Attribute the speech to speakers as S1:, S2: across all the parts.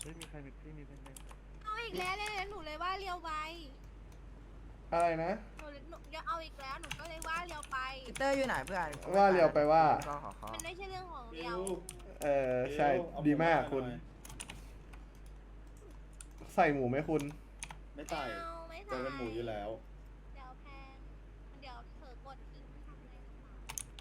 S1: มีใครมีพี่มีเป็น
S2: เอาอีกแล้วเลยหนูเลยว่าเลี้ยวไป
S3: อะไรนะ
S2: หนูจะเอาอีกแล้วหนูก็เลยว่าเลี้ยวไป
S4: พีเตอร์อยู่ไหนเพื่อน
S3: ว่าเรียวไปว่า
S4: ก็ขอเขา
S2: มันไม่ใช่เรื่องของเลี้ยว
S3: ใช่ดีมากคุณ ใส่หมูไหมคุณ
S5: ไม่ใส่
S2: เอาไม่
S5: เจอกันหมูอยู่แล้ว
S2: เดี๋ยวแพงเดี๋ยวเธอกดอีกทำอะไรหรือเปล่า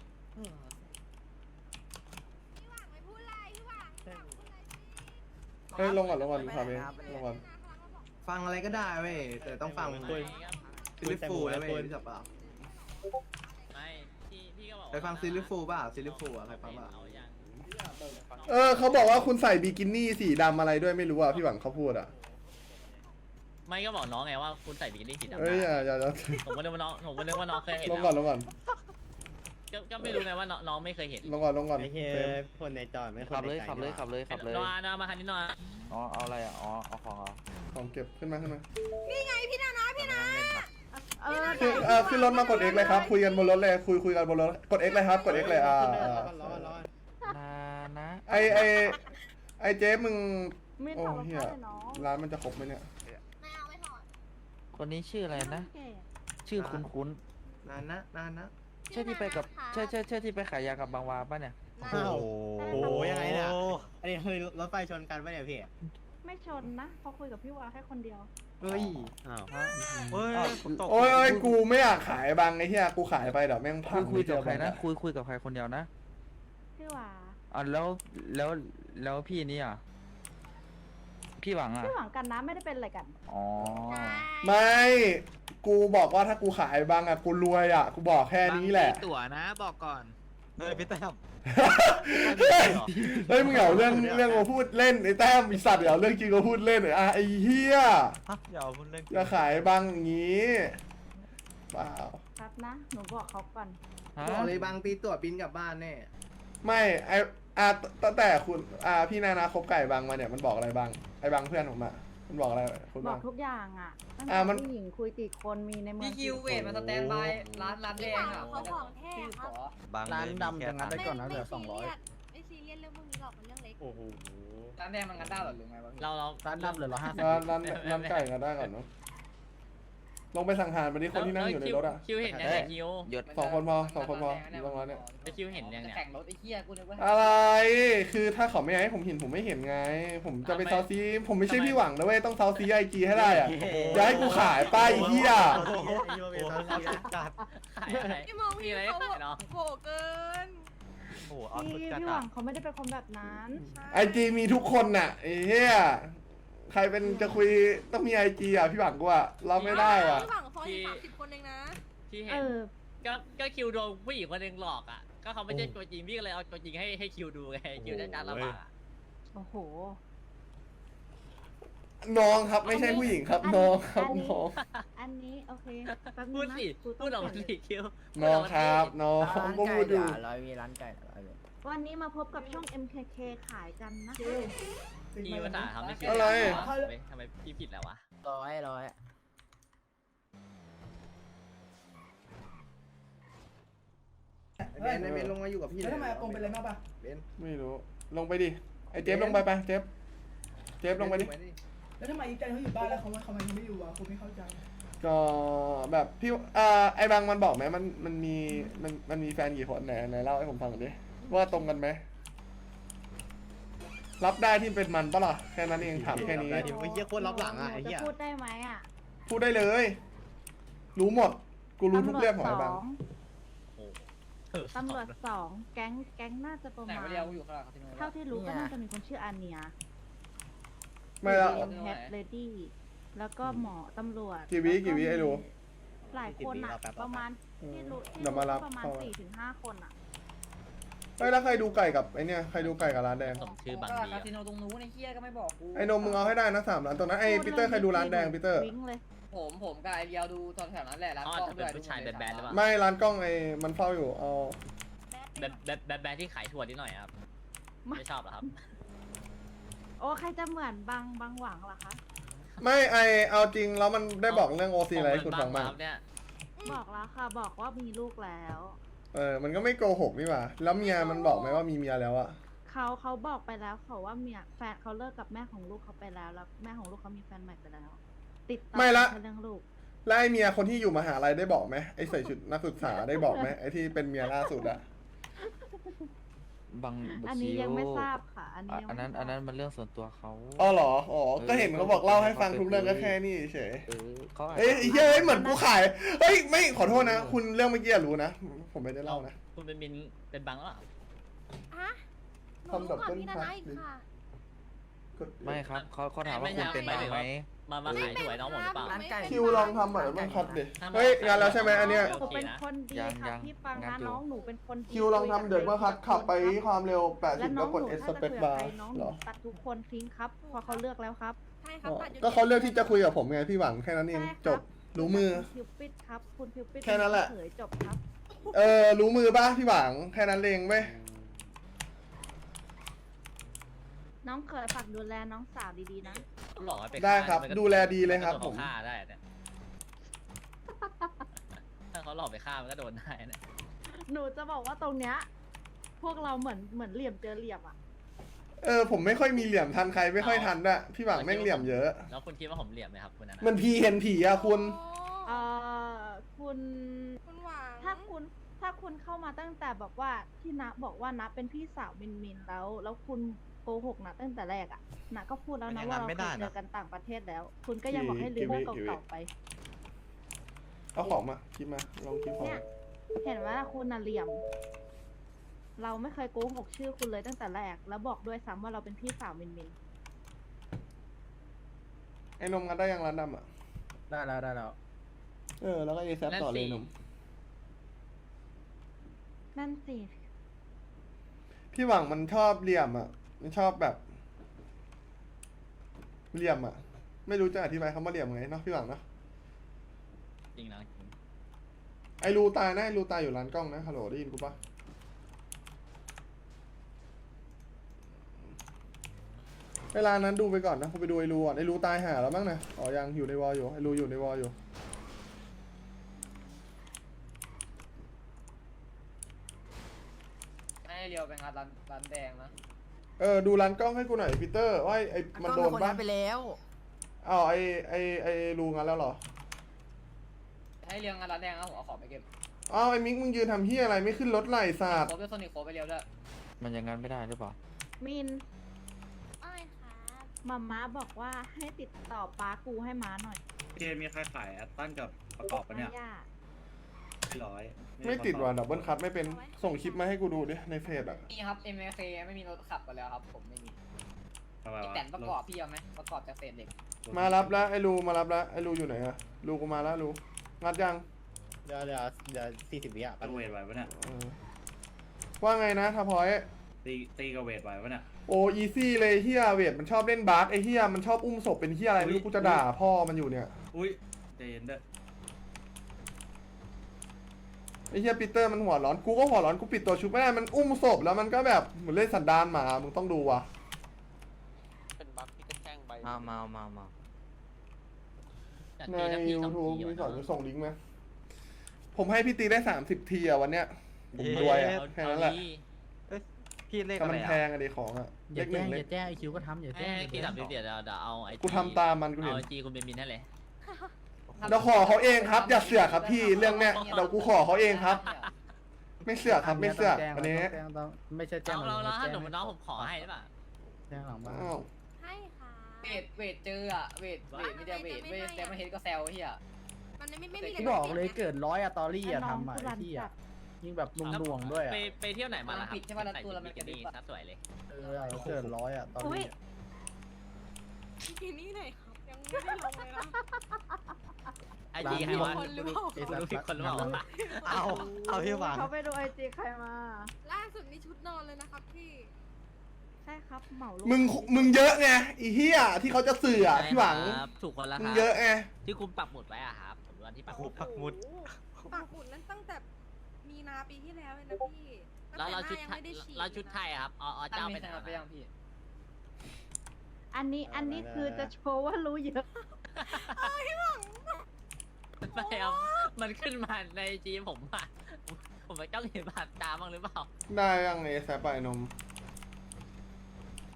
S2: พี่หวังไม่พูดอะไรพี่หวังพี่หวังพูดอะไรพี่
S3: เฮ้ยลงก่อนพาไปลงก่อน
S4: ฟังอะไรก็ได้เว้ยแต่ต้องฟังซิลิฟูแล้วเว้ยรู้จักเปล่า
S6: ไม่พี่ก็บอก
S4: ไปฟังซิลิฟูป่ะซิลิฟูอะใครฟังป่ะ
S6: เอายัง
S3: เขาบอกว่าคุณใส่บิกินี่สีดำอะไรด้วยไม่รู้อ่ะพี่หวังเขาพูดอ่ะ
S6: ไม่ก็บอกน้องไงว่าคุณใส่บิกินี่สีดำ
S3: เอ้ยอย่า
S6: ผมก็นึกว่าน้องเคยเห็น
S3: ลงก่อน
S6: ก็ไม่รู้ไงว่าน้องไม่เคยเห็น
S3: ลงก่อน
S1: ไอ้เฮีย
S3: เฟรม
S1: คนในจอดไม่ขับเลยขับเลยขับเลยขับเลย
S6: นอนมาคันนี้นอน
S1: อ๋อเอาอะไรอ่ะอ๋อเอาของเหรอ
S3: ของเก็บขึ้นมา
S2: นี่ไงพี่นานะพี่นะ
S3: ขึ้นรถมากด X เลยครับคุยกันบนรถเลยคุยกันบนรถกด X เลยครับกด X เลย
S1: ร้อนนะ
S3: ไอเจ๊มึง
S7: ไม่
S3: โอ้
S7: ถอดรอง
S3: เฮีย
S7: เท้าเลยเนาะ
S3: ร้านมันจะครบไหมเนี่ย
S2: ไม่เอาไม่ถอด
S1: คนนี้ชื่ออะไรนะ
S7: แก่
S1: ชื่อคุ้น
S4: นานนะ
S1: ๆใช่ที่ไปกับใช่ที่ไปขายยากับบางวาป่ะเนี่ย
S2: อ้าว
S7: โอ้โห
S1: ยังไงเนี่ยอันนี้คือรถไฟชนกันป่ะเนี่ยพี่
S7: ไม่ชนนะเพอคุยกับพี่วาแค่คนเดียว
S1: เฮ้ยอ้าวเฮ้ย
S3: โอ้ยกูไม่อยากขายบางไอ้เหี้ยกูขายไปเดี๋ยวแม่งพัง
S1: คุยกับใครนะคุยกับใครคนเดียวนะ
S7: พี่วา
S1: อ๋อแล้วพี่นี่อ่ะพี่หวังอ่ะ
S7: พี่หวังกันนะไม่ได้เป็นอะไรกัน
S1: อ๋อ
S3: ไม่กูบอกว่าถ้ากูขายบางอะกูรวยอะกูบอกแค่นี้แหละ
S6: ตั๋วนะบอกก่อน
S1: เฮ้ยพี่แต้ม
S3: เฮ้ยมึงเอาเรื่องมาพูดเล่นไอ้แต้มไอ้สัตว์เอาเรื่องจริงมาพูดเล่นไอ้เหี้ย
S1: อย่าเอาพูดเล่น
S3: จะขายบางอย่างงี้เปล่า
S7: ครับนะ หนูบอกเขาก่อน
S4: บอกเลยบางตีตั๋วบินกลับบ้านแน่
S3: ไม่ตั้งแต่คุณพี่นานาคบไก่บางมาเนี่ยมันบอกอะไรบ้างไอ้บางเพื่อนผมอะมันบอกอะไรคุณ
S7: บอ
S3: บ้าก ง
S7: ทุกอย่างอ่ะตั้ง
S3: มั
S7: แต่
S3: น
S7: ผู้หญิงคุยกี่คนมีในเมือง
S8: พี่คิวเวทมาสแตนบายร้านแด
S2: พี่
S8: ง
S2: หวัง
S8: อ่ะ
S2: เขาของแท้ครับ
S4: ร้านดำจะงัดได้ก่อนนะเหลือ
S2: ไม่ซีเรียสเรื่องพวกนี้หรอกมันเรื่องเล็ก
S1: โอ้โห
S8: ร้านแดงมันงัดได้หรอหรือไงวะพี่
S6: เรา
S4: ร้านดำเหลือ150
S3: ร้านไก่กันได้ก่อนเนาะลงไปสั่งหารไปที่คนที่นั่งอยู่ในรถอะ
S6: คิวเห็นยังไงคิว
S1: หยด
S3: สองคนพอลงมาเนี่ย
S6: คิวเห็นยังเนี่ย
S8: แข่งรถไอ้เหี้ยกูนึกว่า
S3: อะไร คือถ้าเขาไม่ให้ผมเห็นผมไม่เห็นไง ผมจะไปเซาซีผมไม่ใช่พี่หวังนะเว้ย ต้องเซาซีไอจีให้ได้อะอย่าให้กูขายป้ายเฮีย
S1: จัด
S6: ขายอะไร
S2: พี่มองพี่
S6: อะไร
S2: เขา
S6: ขายเนาะ
S2: โหเกิน
S1: โอ้โหเอา
S7: พี่
S1: สุดจัด
S7: พี่หวังเขาไม่ได้เป็นคนแบบนั้น
S3: ไอจีมีทุกคนน่ะไอ้เฮียใครเป็นจะคุยต้องมีไอจีอ่ะพี่หวังกูอ่ะเราไม่ได้อ่ะ
S2: พี่หวังฟอย30 คนเองนะ
S6: พี่
S7: เอ
S6: เห็น
S7: อ
S6: ก็คิวโดนผู้หญิงคนหนึงหลอกอ่ะก็เขาไม่ใช่ตัวจริงพี่ก็เลยเอาตัวจริงให้คิวดูไงคิวได้การระบาด
S7: โอ้โห
S3: น้องครับไม่ใช่ผู้หญิงครับน้องครับน้อง
S7: อันนี้โอเคแป๊บนึ
S6: พู
S7: ง
S6: ด
S7: นะ
S6: สิ
S7: กูต้
S6: พูดออกมา
S7: เปลี่ยน
S6: สิคิว
S3: น้องครับน้องก็พูดอยู่
S4: มีร้านไก่อะไรเลย
S7: วันนี้มาพบกับช่อง MKK ขายกันนะคะ
S6: พี่ภาษาทำไม่คิว
S3: อะไร
S6: ทำไมพี่ผิดแล้ววะ
S4: ร้อยเบนลงมาอยู่กับพี่เลยทำไมตรงไปเลยมากป่ะเบน
S3: ไม่รู้ลงไปดิไอเจฟลงไปเจฟลงไปดิ
S9: แล้วทำไมอีจันเขาอยู่บ้านแล้วเขายังไม่อยู่อ่ะผมไม่เข้าใจ
S3: ก็แบบพี่ไอ้บางมันบอกไหมมันมีแฟนกี่คนไหนเล่าให้ผมฟังหน่อยดิว่าตรงกันไหมรับได้ที่เป็นมันปะล่ะแค่นั้นเองถามแค่นี้
S1: ไอ้เหี้ยโคตรรับหลังอ่ะไอ้เหี้ย
S7: จะพูดได้ไหมอ่ะ
S3: พูดได้เลย รู้หมดกูรู้ทุกเรื่องของไอ้บาง
S7: ตำรวจสองแก๊งน่าจะประ
S8: ไหน
S7: มาณ
S8: วะเดียวกูอยู่ข้างหลังคาสิโน
S7: เท่าที่รู้ก็น่าจะมีคนชื่ออาเนีย
S3: ไม่ละ
S7: แฮปเลดี้แล้วก็หมอตำรวจ
S3: กี่วิไอ้ดู
S7: หลายคนอ่ะ ประมาณที่รู้
S3: เดี๋ยวมารับ
S7: ประมาณ
S3: เข้า
S7: 4-5 คนอ่ะ
S3: ไม่แล้วใครดูไก่กับไอเนี่ยใครดูไก่กับร้านแดง
S6: สมชื่อบาง
S8: ก็
S6: ดี
S8: คาสิโนตรงนู้นไอ้เหี้ยก็ไม่บอกกู
S3: ไอ้นมมึงเอาให้ได้นะ3 ร้านตรงนั้นไอ้ปีเตอร์ใครดูร้านแดงปีเตอร์
S7: วิ่งเลย
S8: ผมกับไอเดียวดูตอนแถวนั้นแหละร้าน
S6: เขา
S8: กล้
S6: อา
S8: อ
S6: จ
S8: ง
S6: จะ
S8: ด้
S6: เป็
S8: วย
S6: นผู้ชายแบดๆหรือเปล่า
S3: ไม่ร้านกล้องไอ้มันเฝ้าอยู่เอา
S6: แบดที่ขายถั่วนิดหน่อยครับไม่ชอบเหรอครับ
S7: โอ้ใครจะเหมือนบางหวังเหรอคะ
S3: ไม่เอาจริงแล้วมันได้บอกเรื่องโอซีอะไรให้คุณฟังบ้าง
S6: เนี่ย
S7: บอกแล้วค่ะ บอกว่ามีลูกแล้ว
S3: มันก็ไม่โกหกนี่หว่าแล้วเมียมันบอกไหมว่ามีเมียแล้วอะ
S7: คเขาบอกไปแล้วเขาว่าเมียแฟนเขาเลิกกับแม่ของลูกเขาไปแล้วแล้วแม่ของลูกเขามีแฟนใหม่ไปแล้ว ติดต่อ
S3: ไม่ละ
S7: แค่เรื่องลูก
S3: แล้วไอเมียคนที่อยู่มหาลัยได้บอกไหมไอใส่ชุดนักศึกษาได้บอกไหมไอที่เป็นเมียล่าสุดอะ
S1: บาง
S7: อันนี้
S1: คิว
S7: ยังไม่ทราบค่ะ อันนี้ยัง
S1: อันนั้น
S7: ไม่ทราบ
S1: อันนั้นมันเรื่องส่วนตัวเขา
S3: อ๋อเหรออ๋อก็เห็นเขาบอกเล่าให้ฟังทุกเรื่องก็แค่นี้เฉย
S1: เขาอาจ
S3: เอ้ย
S1: จะ
S3: ไอ้เหี้ยเอ้ยเหมือนกูขายเฮ้ยไม่ขอโทษนะ คุณเรื่องเมื่อกี้รู้นะผมไม่ได้เล่านะ
S6: คุณเป็นมินเป็นบังแล้วเหรอ
S2: ฮะหนูรู้ก่อนพี่นานาอีกค่ะ
S1: ไม่ครับเขาถามว่าคุณเป็นบังไหม
S6: มาขายหวยน้องผมหรือเปล่า
S3: คิวลองทำหน่อยมันคัดดิเฮ้ยงานแล้วใช่ไหมอันเนี้ย
S7: หนูเป็นคนดีค่ะพี่ฟังนะน้องหนูเป็นคนดี
S3: คิวลองทำเดี๋ยวเมื่อคัดขับไปความเร็ว
S7: และ
S3: 80
S7: น้
S3: แล้
S7: อ
S3: ว
S7: ง
S3: กด
S7: หนู
S3: เอส
S7: ถ้า
S3: ส
S7: จะ
S3: เปซ
S7: คุย
S3: บา
S7: กับ
S3: ร์
S7: ใครน้องห
S3: เหร
S7: นู
S3: อ
S7: ตัดทุกคนทิ้งครับเพอเขาเลือกแล้วครับ
S2: ใช่ครับปัจจุบัน
S3: ก็เขาเลือกที่จะคุยกับผมไงพี่หวังแค่นั้นเอง
S7: ใช่ครับ
S3: จบรู้มือ
S7: คุณพิวปิดครับคุณพิวปิด
S3: แค่นั้นแหละ
S7: เฉยจบครับ
S3: รู้มือป่ะพี่หวังแค่นั้นเองเว้ย
S7: น้องเคยฝากดูแลน้องสาวดีๆนะ
S6: หลอกให้ไป
S3: ได้ครับ
S6: ฆ่า
S3: ดูแลดีเลยครับ
S6: นก็
S3: ผ
S6: โดน
S3: ม
S6: เขาฆ่าได้เนี่ยถ้าเขาหลอกไปฆ่ามันก็โดนได้เนี่ย
S7: หนูจะบอกว่าตรงเนี้ยพวกเราเหมือนเหลี่ยมเจอเหลี่ยมอ่ะ
S3: ผมไม่ค่อยมีเหลี่ยมทันใครไม่ค่อยทันด้วยพี่หวังแม่งเหลี่ยมเยอะ
S6: แล้วคุณคิดว่าผมเหลี่ยมไหมครับคุณนัน
S3: มันพีเห็นผีอะคุณ
S7: เอ่คุณ
S2: คุณหวัง
S7: ถ้าคุณเข้ามาตั้งแต่แบบว่าที่นะบอกว่านะเป็นพี่สาวมินแล้วคุณโกหกนะตั้งแต่แรกอ่ะนะก็พูดแล้วนะว่าเราเคยเจอกันต่างประเทศแล้ว คุณก็ยังบอกให้ลืมเรื่องเก่าๆไป
S3: เอาของมาคลิปมาลองคลิปของ
S7: เนี่ยเห็นว่าคุณน่ะเหลี่ยม เราไม่เคยโกหกชื่อคุณเลยตั้งแต่แรก แล้วบอกด้วยซ้ำว่าเราเป็นพี่สาวมิน
S3: ไอ้นมงัดได้ยังร้านดำอะ
S1: ได้แล้วได้แล้ว
S3: แล้วก็เอแซต่อเลยนม
S7: นั่นสิ
S3: พี่หวังมันชอบเหลี่ยมอะมันชอบแบบเหลี่ยมอะไม่รู้จะอธิบายคำว่าเหลี่ยมไงเนาะพี่หวังเนาะ
S6: จริงนะจริง
S3: ไอ้รูตายนะไอ้รูตายอยู่ร้านกล้องนะฮัลโหลได้ยินกูปะเวลานั้นดูไปก่อนนะผมไปดูไอ้รูก่อนไอ้รูตายหาแล้วมั้งนะอ๋อยังอยู่ในวอลอยู่ไอ้รูอยู่ในวอลอยู่
S8: ให้เรียวไปงานร้านแดงนะ
S3: ดูร้านกล้องให้กูหน่อยพีเตอร์ว่าไอ้มันโดนปะ
S4: ไปแล้ว
S3: อ้าวไอ้รูงั้นแล้วเหรอ
S8: ให้เรียวงานร้านแดงนะผมเอาของไปเก็บ
S3: อ้าวไอ้มิกมึงยืนทำเฮียอะไรไม่ขึ้นรถไหล่ศาสตร์
S8: โคด้วยโซนิคโคไปเรียวด้วย
S1: มันยังงั้นไม่ได้หรือเปล่า
S7: มิน
S2: อ้อยครับ
S7: มาม่าบอกว่าให้ติดต่อป้ากูให้ม้าหน่อย
S5: เกมมีใครขายแอตตันกับประกอบปะเนี่ย
S7: ย่า
S5: ร้อย
S3: ไม่ติดว่ะดับเบิลคัทไม่เป็นส่งคลิปมาให้กูดูดิในเฟซอ่ะ
S8: นี่ครับ MFK ไม่มีรถขับกันแล้วครับ ผมไม่มี
S5: ทำไม
S8: ไอ
S5: วะ
S8: แต่นประกอบพี่เอาไหมประกอบจากเศษเหล็ก
S3: มารับแล้วไอ้รูมารับแล้วไอ้รูอยู่ไหนอะรูกูมาแล้วรูงัดยัง
S1: เดี๋ยว40 วิอ่ะ
S5: ตั้งเวทไหวปะเนี่ย
S3: ว่าไงนะทัพพอย
S5: ตีกับเวทไหวปะเนี่ย
S3: โอ้อีซี่เลยเฮียเวทมันชอบเล่นบาสไอ้เฮียมันชอบอุ้มศพเป็นเฮียอะไรไม่รู้กูจะด่าพ่อมันอยู่เนี่ย
S5: อุ้ยใจเย็นเด้อ
S3: ไอ้เฮียปีเตอร์มันหัวร้อนกูก็หัวร้อนกูปิดตัวชุบไม่ได้มันอุ้มศพแล้วมันก็แบบเหมือนเล่นสันดานหมามึงต้องดูว่ะ
S1: เป็นบัฟที่กระแทงใบมา
S6: อยาก
S3: ใน
S6: ตีสักทีสอง
S3: YouTube
S6: ที
S3: มี
S6: วะ
S3: สอนจะส่งลิงก์ไหมผมให้พี่ตีได้30 ทีอะวันเนี้ยผมรวยอะแค่นั้นแหละ
S1: พี่เลข
S3: แต่
S1: อะไร
S3: มันแพ
S1: อ่ะ
S3: งอะดิของอะ
S1: อ
S3: เล
S1: ย่า
S3: ขห
S1: แจ้
S3: นึ่
S1: ง
S3: งเล
S1: อย่าแจ้งไอคิวก็ทำอย่าแจ้ง
S6: ตีดับเดี๋ยวเอาไอ
S3: กูทำตามมันกูเห็น
S6: เอาไอจีคุณเป็นมินให้เลย
S3: เดี๋ยวขอเขาเองครับ อย่าเสือกครับพี่เรื่องเนี้ยเดี๋ยวกูขอเขาเองครับ ไม่เสือกครับไม่เสือกอันนี้
S1: ไม่ใช่แจ้ง
S6: เราถ้าหนูน้องผมขอให้ได้ป่ะ
S1: แจ้งหลังบ้าน
S3: อ้าว
S2: ให้ค่ะ
S8: เวทเจออะเวทไม่ได้เวทแต่มาเห็นก็แซวเฮีย
S2: มันไม่มี
S1: ที่บอกเลยเกิด100อะตอรี่อะ
S7: น้อง
S1: ทำอะ
S7: กู
S1: ไอ้
S7: รัน
S1: ที่
S7: จั
S1: อะ
S7: ด
S1: ยิ่งแบบนุ่งๆด้วยอะ
S6: ไปเที่ยวไหนมาล่ะครับใส่ชุดบิกินี่ซะสวยเลย
S1: เกิด100อะตอรี่
S2: ที่นี่ไหนครับ ยังไม่ได้ลงเลยนะ
S6: ไอจีใครวะ
S2: คนหรือเปล่า
S6: คุณรู้ผิดคนหรือเปล่า
S1: เอาพี่หวัง
S7: เขาไปดูไอจีใครมา
S2: ล่าสุดนี่ชุดนอนเลยนะครับพี่
S7: ใช่ครับเหมาลูก
S3: มึงเยอะไงอีเหี้ยที่เขาจะเสือพี่หวัง
S6: ถูกคนละค
S3: มึง
S6: รับ
S3: เยอะไง
S6: ที่คุณปักหมุดไว้อะครับผมวันที่ปักหมุด
S2: ปักหมุดนั้นตั้งแต่มีนาปีที่แล้วเลยนะพี่
S6: แล้วเราชุด
S2: ยัง
S6: ไทย
S2: ไม่ได้ฉีด
S6: เราชุดไทยอะครับอ๋อ
S8: ตั้
S6: เจ้าง ไป
S8: ไม่
S6: ไหน
S8: ใช่ไปยังพี่
S7: อันนี้คือจะโชว์ว่ารู้เยอะ
S6: ไม่ครับมันขึ้นมาในจีผมอะผมไปจ้องเห็นผ่านตาบ้างหรือเปล่า
S3: ได้ยังไงแซปไปนม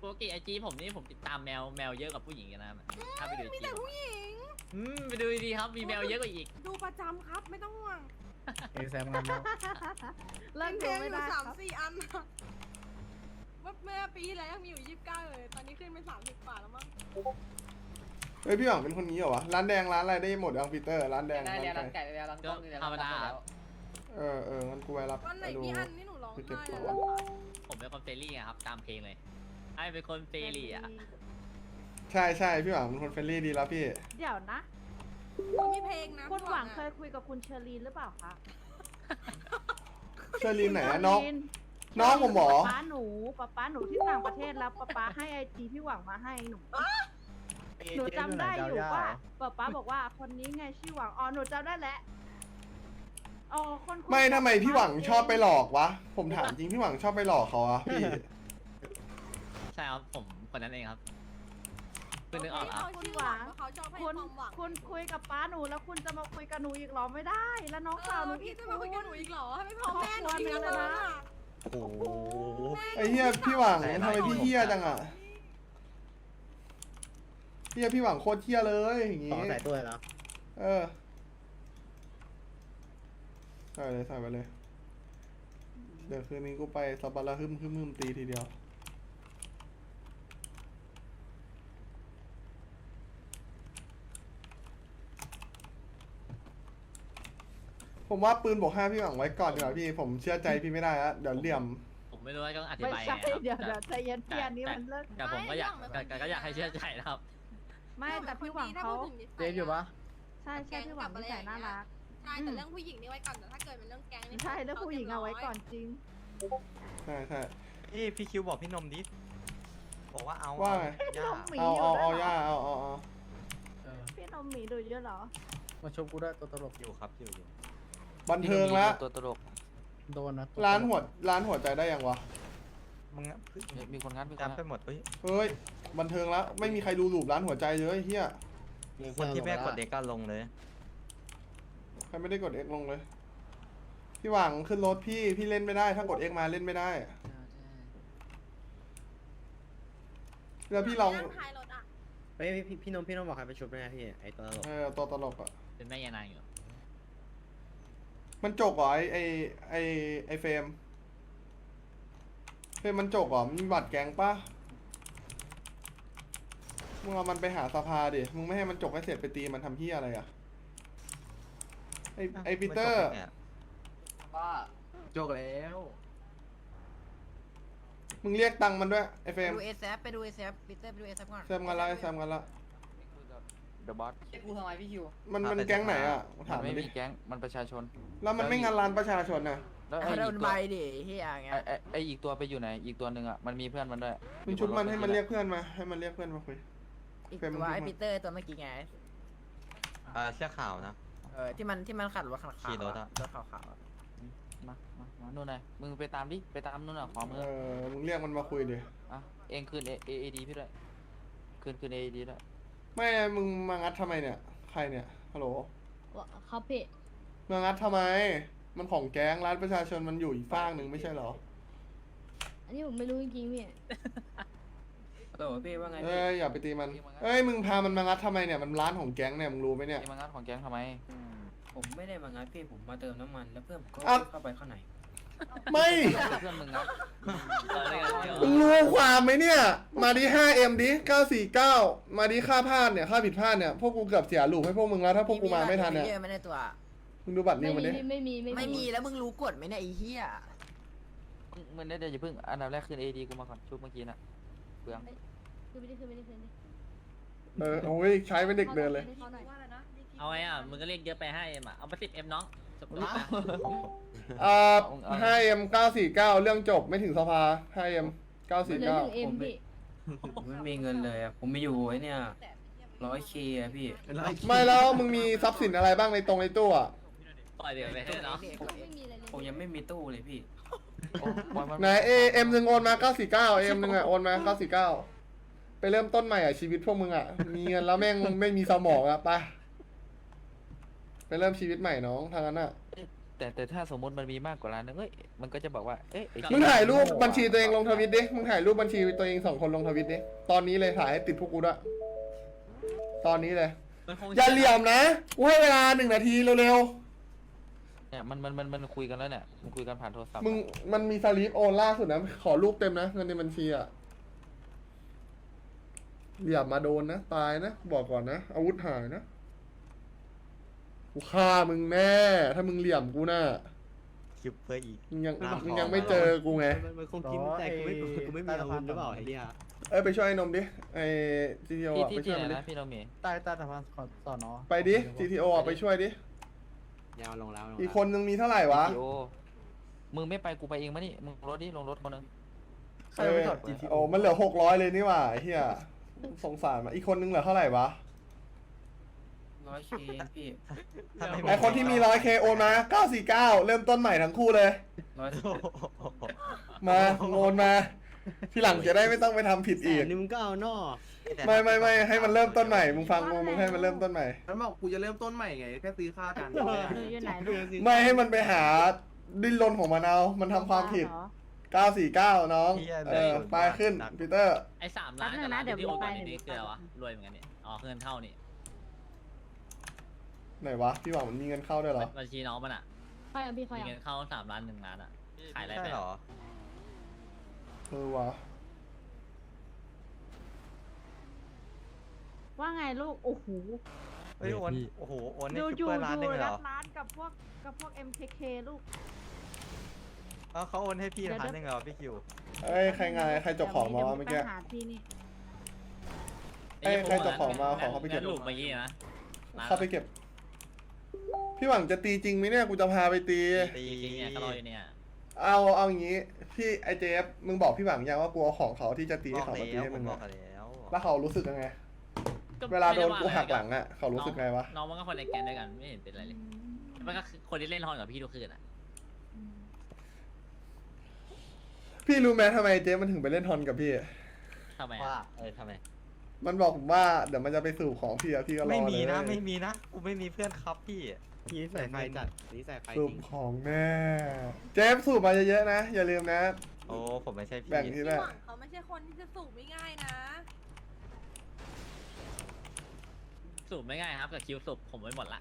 S6: ปกติไอจีผมนี่ผมติดตามแมวเยอะกว่าผู้หญิงนะถ้าไปดู
S2: มี
S6: จี
S2: แต่ผู้หญิง
S6: ไปดูดีๆครับมีแมวเยอะกว่าอีก
S2: ดูประจำครับไม่ต้องห่วง
S4: เอแซมกันแล้ว
S7: เลิก
S2: เพล
S7: ดู
S2: งอ
S7: ไม่
S2: ยู่
S7: ได้ค
S2: สา
S7: รั
S2: ม
S7: บ
S2: สี่อันอะเมื่อปีที่แล้วยังมีอยู่29เลย ตอนนี้ขึ้นเป็น30 บาทแล้วมั้ง
S3: เฮ้ยพี่หวังเป็นคนนี้เหรอวะร้านแดงร้านอะไรได้หมดยังปีเตอร์ร้านแดง
S8: ได้
S3: ร้าน
S8: เรียน
S3: ไก่
S8: ร้านไก่ได้เรียนร้านต้มได้เรียน
S6: ธรรมดา
S8: ร้านแล้ว
S3: งั้นกูไปรับ
S2: วันไหน
S3: ไปดู
S2: มีอันนี่หนูร้อง
S3: ไปเก็บ
S2: ไห้
S3: ของ
S2: เลย
S6: ผมเป็นคนเฟรนลี่อะครับตามเพลงเลยไอเป็นคนเฟรนลี่อะ
S3: ใช่ใช่พี่หวังเป็นคนเฟรนลี่ดีแล้วพี่
S7: เดี๋ยวนะ
S2: มันมีเพลงนะ
S7: คุณหวังเค
S2: อะ
S7: ยคุยกับคุณเชอรีนหรือเปล่าคะ
S3: เชอรีนไหนอะน้อง
S7: เชรี
S3: น้องผมเหรอ
S7: ป๊าหนูป๊าหนูที่ต่างประเทศแล้วป๊าให้ไอจีพี่หวังมาให้หนูหนูจำได้อยู่ว่าป๊าบอกว่าคนนี้ไงชื่อหวังอ๋อหนูจำได้แล้วอ๋อคนคุย
S3: ไม่ทำไมพี่หวัง
S7: กับ
S3: ชอบไปหลอกวะ ผมถามจริงพี่หวังชอบไปหลอกเขาอะพี่
S6: ใช่ครับผมคนนั้นเองครับคุณนึกออก
S2: ที่
S6: ครับ
S2: เขาชื่อหวังเพราะเขาชอบให้
S7: คุณ
S2: ความหวัง
S7: คุณคุยกับป๊าหนูแล้วคุณจะมาคุยกับหนูอีกเหรอไม่ได้ แล้วน้องสาวหนูอี
S2: พี่
S7: ก
S2: จะมาคุยกับหนูอีกเหรอให้ไม่พอแม่หนูอีก
S7: ครอบครัว
S2: แล้ว
S7: เลยนะ
S2: นะ
S4: โอ้โห
S3: ไอ้เหี้ยพี่หวังทำไมพี่เหี้ยจังอะเหี้ยพี่หวังโคตรเหี้ยเลยอย่าง
S4: ต่อ
S3: งี้
S4: ใส่ตัวแล้ว
S3: เออใส่เลยใส่ไปเลย เดี๋ยวคืนนี้กูไปสับปะระหึมตีทีเดียว ผมว่าปืนบวก5พี่หวังไว้ก่อนดีกว่าพี่ ผมเชื่อใจพี่ไม่ได้แล้วเดี๋ยวเหลี่ยม
S6: ผมไม่รู้ว่าต้องอธิ
S7: ไม่
S6: บาย
S7: ใช่
S6: ไงครับ
S7: เดี๋ยวใจเย็นพี่อันนี้มันเลิก
S6: แต่ผมก็อยากแต่ก็อยากให้เชื่อใจนะครับ
S7: ไม่แต่พี่หวังเขา
S4: เจ๊อยู่ปะ
S7: ใช่ใช่พี่หวังนิสัยน่ารัก
S2: ใช่แต่เรื่องผู้หญิงนี่ไว้ก่อนแต่ถ้าเกิดเป็นเรื่องแก๊งนี่
S7: ใช่แล้วผู้หญิงเอาไว้ก่อนจริง
S3: ใช่ใช่
S10: พี่คิวบอกพี่นมดิบอกว่าเอา
S3: ว่าไง
S10: ย่า
S7: หมี
S3: เอา
S7: อยู่
S3: เอา
S7: ด้วย
S3: เอา
S7: เหร
S3: ย่า
S7: อ
S3: เอา
S7: พี่นมหมีดูเยอะเหรอ
S4: มาชมกูด้วยตัวตลก
S10: อยู่ครับอยู่
S3: บันเทิงแล้ว
S1: ตัวตลก
S4: โดนนะ
S3: ร้านหัวใจได้ยังวะ
S10: มึงอะ
S1: มีคนงัดมีคน
S10: จำ
S1: งัด
S10: ไปหมดเฮ้ย
S3: เฮ้ย บันเทิงแล้ว ไม่มีใครดูรูปร้านหัวใจเลยเฮีย
S10: คนที่แม่กดเด็กก็ลงเลย
S3: ใครไม่ได้กด X ลงเลย พี่หวังขึ้นรถพี่เล่นไม่ได้ ถ้ากด X มาเล่นไม่ได้ แล้วพี่ลอง
S2: ท้ายรถอ่ะ
S4: เฮ้ยพี่นมบอกใครไปชุบด้วยนะพี่ไอตัวตลก
S3: ตัวตลกอ่ะ
S6: เป็นแม่ยานางอยู่
S3: มันจกเหรอไอเฟรมมันจกเหรอมีบัตรแก๊งปะมึงเอามันไปหาสภาดิ มึงไม่ให้มันจกให้เสร็จไปตีมันทำเฮียอะไรอ่ะ ไอปีเตอร์
S8: ว่า
S4: โจกแล้ว
S3: มึงเรียกตังค์มันด้วยไอเฟรม
S8: ดูเอซไปดูเอซปีเตอร์ไปดูเอซก่อน
S3: แซมกันละแซมกันละ
S1: เดอะบอส
S8: กูทำไมพี่คิว
S3: มันแก๊งไหนอ่ะ
S1: มั
S3: ถาม
S1: น
S3: มั
S1: ไม่
S3: นดิ
S1: มีแก๊งมันประชาชน
S3: แล้วมันไม่งานร้านประชาชนน่ะ
S1: แล้วไอ้
S8: โด
S1: อี
S8: น
S1: ก
S8: ใบ
S1: ตัว
S8: ดิเฮียเงี้ย
S1: ไอ้อีกตัวไปอยู่ไหนอีกตัวหนึ่งอ่ะมันมีเพื่อนมันด้วย
S3: มึงชุบมันให้มันเรียกเพื่อนมา ให้มันเรียกเพื่อนมาคุย
S8: อีก
S3: เป็น
S8: ตัวไอปีเตอร์ตัวเมื่อกี้ไง
S10: เสื้อขาวนะ
S8: ที่มันขัดรถขาว
S10: ขี่รถอะ
S8: รถขาว
S1: มานู่นไงมึงไปตามดิไปตามนู่นอ่ะขวามือ
S3: มึงเรียกมันมาคุยดิ
S1: อ่ะเองคืนเอดีพี่ด้วยคืนเอดีด้วย
S3: ไม่ มึงมางัดทำไมเนี่ย ใครเนี่ย ฮัลโหล
S7: ครับพี่
S3: มางัดทำไม มันของแก๊งร้านประชาชนมันอยู่อีกฟากหนึ่งไม่ใช่เหรอ
S7: อันนี้ผมไม่รู้จริงๆพี่
S8: ๆโหลพี่ว่าไง
S3: เอ้ยอย่าไปตีมัน เอ้ยมึงพามันมางัดทำไมเนี่ย มันร้านของแก๊งเนี่ยมึงรู้ไหมเนี่ย
S1: เองมางัดของแก๊งทำไม
S8: ผมไม่ได้มางัดพี่ผมมาเติมน้ำมันแล้วเพื่อนก็
S3: อ่ะ
S8: เข้าไปข้างใน
S3: ไม่
S1: เพื่อนมึงงัด
S3: มึงรู้ความไหมเนี่ย มาดี 5M ดิ 949 มาดีค่าพลาดเนี่ย ค่าผิดพลาดเนี่ย พวกกูเกือบเสียลูกให้พวกมึงแล้ว ถ้าพวกกูมาไม่ทันเนี่ย
S8: เยอะไม่ได้ตัว
S3: มึงดูบัตรนิวมันดิ
S8: ไม่มีแล้วมึงรู้กฎไหมเนี่ยไอ้เหี้ย
S1: มึงได้เดี๋ยวอย่าเพิ่งอันดับแรกคืนเอดีกูมาก่อนชุบเมื่อกี้น่ะเปลือง
S3: โอ้ยใช้เป็นเด็กเดินเลย
S6: เอาไงอ่ะมึงก็เรียกเยอะไปให้เอ็มอ่ะเอาไป10Mน้องจบแล้วนะ
S3: 5M 949 เรื่องจบไม่ถึงสภา 5M 949
S8: ผมไม่มีเงินเลยผมไม่อยู่ไอ้เนี่ย100K อะพี่
S3: ไม่แล้วมึงมีทรัพย์สินอะไรบ้างในตรงในตู้อ่ะ
S6: ปล่อยเดี๋ยวไปให้เนาะ
S8: ผมยังไม่มีตู้เลยพี่
S3: ไหนเอ็มหนึ่งโอนมา949เอ็มหนึ่งอ่ะโอนมา949ไปเริ่มต้นใหม่อ่ะชีวิตพวกมึงอ่ะมีเงินแล้วแม่งไม่มีสมองอ่ะไปเริ่มชีวิตใหม่น้องทางนั้นอ่ะ
S1: ไแต่ถ้าสมมติมันมีมากกว่าล้านนึงเอ้ยมันก็จะบอกว่าเอ๊ะไอ้
S3: มึงถ่ายรูปบัญชีตัวเองลงทวิตดิ มึงถ่ายรูปบัญชีตัวเอง2 คนลงทวิตดิ ตอนนี้เลยถ่ายให้ติดพวกกูด้วย ตอนนี้เลย
S6: มันคง
S3: อย่าเหลี่ยมนะ กูให้เวลา1 นาทีเร็ว
S1: เนี่ยมันคุยกันแล้วเนี่ยมันคุยกันผ่านโทรศัพท์
S3: ๆ มึงมันมีสลิปโอนล่าสุดนะ ขอรูปเต็มนะ เงินในบัญชีอะเหลี่ยมมาโดนนะ ตายนะ บอกก่อนนะ อาวุธหายนะ กูฆ่ามึงแน่ ถ้ามึงเหลี่ยมกูน่ะ
S10: คิวเพื่ออีก
S3: มึงยังไม่เจอกูไง
S4: มันคงกินใจกูไม่มีอาวุธหรือเปล่าไอ้เหี้ย
S3: เอ้ยไปช่วยไอ้นมดิ ไอ้ GTO
S1: ที่
S3: อ่ะ
S1: ที่
S3: ไปช่
S1: ที่
S3: วย
S1: ไหน
S3: มันดิ
S1: นะพี่เรามี
S10: ใต้สะพานสอนอ
S3: ไปดิ GTO อ่ะไปช่วยดิ
S4: ยาวลงแล้ว
S3: อีกคนนึงมีเท่าไหร่วะ
S1: GTO มึงไม่ไปกูไปเองมานี่มึงลงรถคนนึง
S10: ใครไปจอด GTO
S3: มันเหลือ600เลยนี่หว่าไอ้เหี้ยสงสารมาอีกคนนึงเหลือเท่าไหร่วะ
S8: 100K พี่
S3: ไอคนที่มี 100K โอนมา949 เริ่มต้นใหม่ทั้งคู่เลย มาโอนมา ทีหลังจะได้ไม่ต้องไปทำผิดอีก
S4: นี่มึงก็เอานอ
S3: ไม่ให้มันเริ่มต้นใหม่ มึงฟังมึงให้มันเริ่มต้นใหม่
S4: มันบอกกูจะเริ่มต้นใหม่ไงแค่ซื้อข้าวจาน
S7: หนูอยู่ไหนลูก
S3: ไม่ให้มันไปหาดิ้นรนของมันเอา มันทำความผิด 949 น้อง ไปขึ้นปีเตอร์
S6: ไอ้3 ล้าน
S7: แป๊บนึงนะ
S6: กับล้าน
S7: เดี๋ยว
S6: ที่โอน
S7: ไป
S6: ไปนี่คืออะไรวะรวยเหมือนกันเนี่ยอ๋อเงินเข้านี่
S3: ไหนวะ พี่หวังมันมีเงินเข้าด้วยเหรอ
S6: บัญชีน้องมันอ่ะ
S2: ใครอ่ะพี่ใคร
S6: มี
S2: อ่ะ
S6: เงินเข้า3 ล้าน1 ล้านอ่ะขายอะไร
S10: ใช่
S6: ไป
S10: เหรอ
S3: วะ
S7: ว่าไงลูก โอ้โห
S10: เฮ้ยโอนโอ้โหโอนนี่
S7: ดู
S10: คิว
S7: อยู่
S10: เพื่อร้านหนึงเลยเหร
S7: รั
S10: อ
S7: ดร้านกับพวก MKK ลูก
S10: เขาโอนให้พี่ร้านหนึงเหรอพี่คิว
S3: เอ้ยใครจบของมาวะเมื่อกี้
S7: ดี๋ยวหาที่นี่
S3: เอ้ยใครเจ้าของมาขอเขาไปเก็บ
S6: งั้นลูกเมื่อกี้นะร้น
S3: เข้าไปเก็บ พี่หวังจะตีจริงไหมเนี่ย กูจะพาไปตี
S6: จริงๆเนี่ยก็รออยู่เนี่ย
S3: เอาอย่างงี้ พี่ไอเจฟมึงบอกพี่หวังยังว่ากูเอาของเขาที่จะตี
S10: บ
S3: ให้
S10: อก
S3: เขามาตี
S10: แล้ว
S3: ให้
S10: ผ
S3: มึ
S10: ม
S3: ง
S10: บอก
S3: อะ
S10: แล้ว
S3: แล้วเขารู้สึกยังไง เวลาโดนกูหักหลังอะเขารู้สึกไงวะ
S6: น้องมันก็คนในแก๊งด้วยกันไม่เห็นเป็นไรเลยมันก็คือคนที่เล่นฮอนกับพี่ทุกคืนอ่ะ
S3: พี่รู้ไหมทำไมเจฟมันถึงไปเล่นทอนกับพี่
S6: ทำไม
S10: ว่า
S6: อะ
S10: ทำไม
S3: มันบอกผมว่าเดี๋ยวมันจะไปสู่ของพี่อะพี่ก็รอเลย
S10: ไม่มีนะไม่มีนะกูไม่มีเพื่อนครับพี่
S4: นี่ใส่ไฟจัดนี่ใส่ไฟ
S3: สู
S4: จ
S3: บ
S4: ริง
S3: ของแน่เจฟสูบมาเยอะๆนะ อย่าลืมนะ
S10: โอ้ผมไม่ใช่พี่
S3: แบ่งที่
S2: พี่
S3: แรก
S2: หวังเขาไม่ใช่คนที่จะสูบไม่ง่ายนะ
S6: สูบไม่ง่ายครับกับคิวสูบผมไว้หมดละ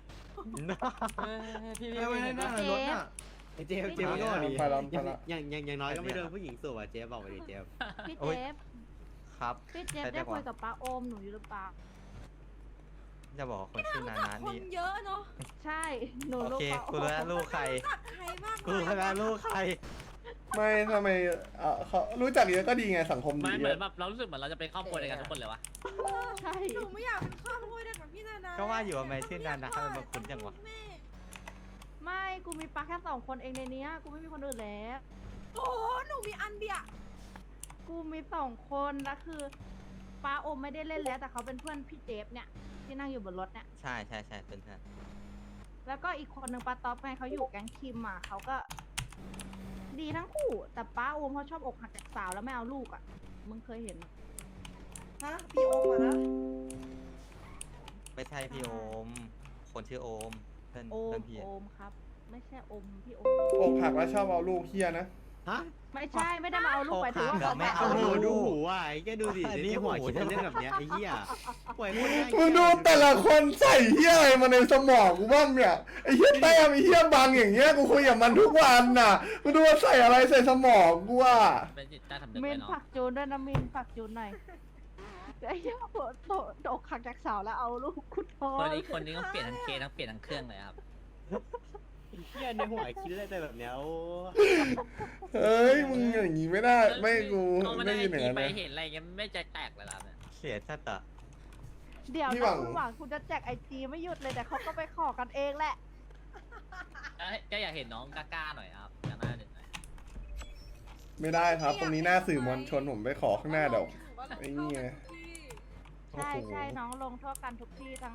S4: ไม่ได้หน้ารถน่ะไอ้เจฟก็ดี
S3: ไปแล้วไปแล้ว
S4: อย่างน้อยก็ไม่โดนผู้หญิงสูบอ่ะเจฟบอกไปดิเจฟ
S7: พี่
S10: โอ้
S7: เจ
S10: ย
S7: ฟ
S10: ครับ
S7: พี่เจฟ
S10: แต่
S7: ได้
S10: จังหวะ
S7: คุยกับป้าโอมหนูอยู่หรือเปล่า
S10: จะบอกว่าคนชื่อนา
S2: รู้
S10: นา
S2: จักค
S10: นี่
S2: นเยอะเนาะ
S7: ใช่ หนู
S10: โอ
S7: ลูก
S10: เค
S7: ป้าโอ
S10: กู
S7: ม
S10: รู้แล้วลูกใคร
S2: รู้จักใครบ้าง
S10: กูรู้แล้วลูกใคร
S3: ไม่ทำไมเขารู้จักเยอะก็ดีไงสังคมดี
S6: ไม่เหมื
S3: เย
S6: อน
S3: อะ
S6: แบบเรารู้สึกเหมือนเราจะเป็นครอบครัวเดียวกันทุกคนเลยวะ
S7: ใช่
S2: หนูไม่อยากเป็นครอบครัวเดียวกับพี่นานา
S10: ก็ว่าอยู่ว่าไม่ชื่อนานาทำไมมาคุ้นจังวะ
S2: แม่
S7: ไม่ กูมีป้าแค่2 คนเองในเนี้ย กูไม่มีคนอื่นแล้ว
S2: โอ้หนูมีอันเดียว
S7: กูมี2 คนแล้วคือป้าโอมไม่ได้เล่นแล้ว แต่เขาเป็นเพื่อนพี่เจฟเนี่ย ที่นั่งอยู่บนรถเนี่ย
S10: ใช่ใช่ใช่เพื่อน
S7: แล้วก็อีกคนหนึ่งป้าต๊อปไงเขาอยู่แก๊งคิมอ่ะเขาก็ ดีทั้งคู่ แต่ป้าโอมเขาชอบอกหักจากสาวแล้วไม่เอาลูกอ่ะ มึงเคยเห็นไหม
S9: ฮะพี่โอมอะนะ
S10: ไม่ใช่พี่โอม คนชื่อโอมเพื่อน
S7: โอ
S10: เพื่อ
S7: ม
S10: นพี่
S7: โอมครับ ไม่ใช่อมพี่โอม
S3: อกหักแล้วชอบเอาลูกเฮียนะ
S4: ฮะ
S7: ไม่ใช่ไม่ได้มาเอาลูกไปถึงว่าเขาไม่
S4: โอ้
S7: เอา
S4: โห
S7: ลูก
S4: ดูหูอ่ะไอ้แกดูดิไอ้หัวคิดเล่นแบบเนี้ยไอ้เหี้ยป่วยคนง่าย
S3: มึงดูแต่ละคนใส่เฮียอะไรมาในสมองกูบ้างเนี่ยไอ้เฮียแต้มไอ้เฮียบังอย่างเงี้ยกูคุยกับมันทุกวันน่ะมึงดูว่าใส่อะไรใส่สมองกูว่า
S6: เป็นจิตใต้สำนึก
S7: มิ
S6: ไว้
S7: น
S6: เนาะ
S7: ผักจูนด้วยนะมินผักจูนหน่อยไอ้เหี้ยโดกหักจากสาวแล้วเอาลูกคุณพ่อ
S6: คนนี้ก็เปลี่ยนทั้งเคทั้งเปลี่ยนทั้งเครื่องเลยครับ
S4: เหี้ยในหัวคิดอะไรแบบเนี้ยโอ้
S3: เอ้ยมึงอย่างงี้ไม่ได้ไม่กู
S6: เอามา
S3: ไม่
S6: ได้
S3: ยินอย่าง
S6: ที
S3: นั้น
S6: ไป
S3: นะ
S6: เห็นอะไรเงี้ยไม่ใจแตกเลยล่ะเนี่ย
S10: เสียชัดอะ
S7: เดี๋ยว
S3: พี่หวั
S7: นะ
S3: ง
S7: คุณหวังคุณจะแจกIGไม่หยุดเลยแต่เขาก็ไปขอกันเองแหละ
S6: ก็อยากเห็นน้องกล้าๆหน่อยครับกล้าๆหน่อย
S3: ไม่ได้ครับ ตรงนี้หน้าสื่อมวลชนผมไปขอข้างหน้าเดี๋ยว ไอ้นี่ไง
S7: ใช่ใช่น้องลงโทษกันทุกที่ทั้ง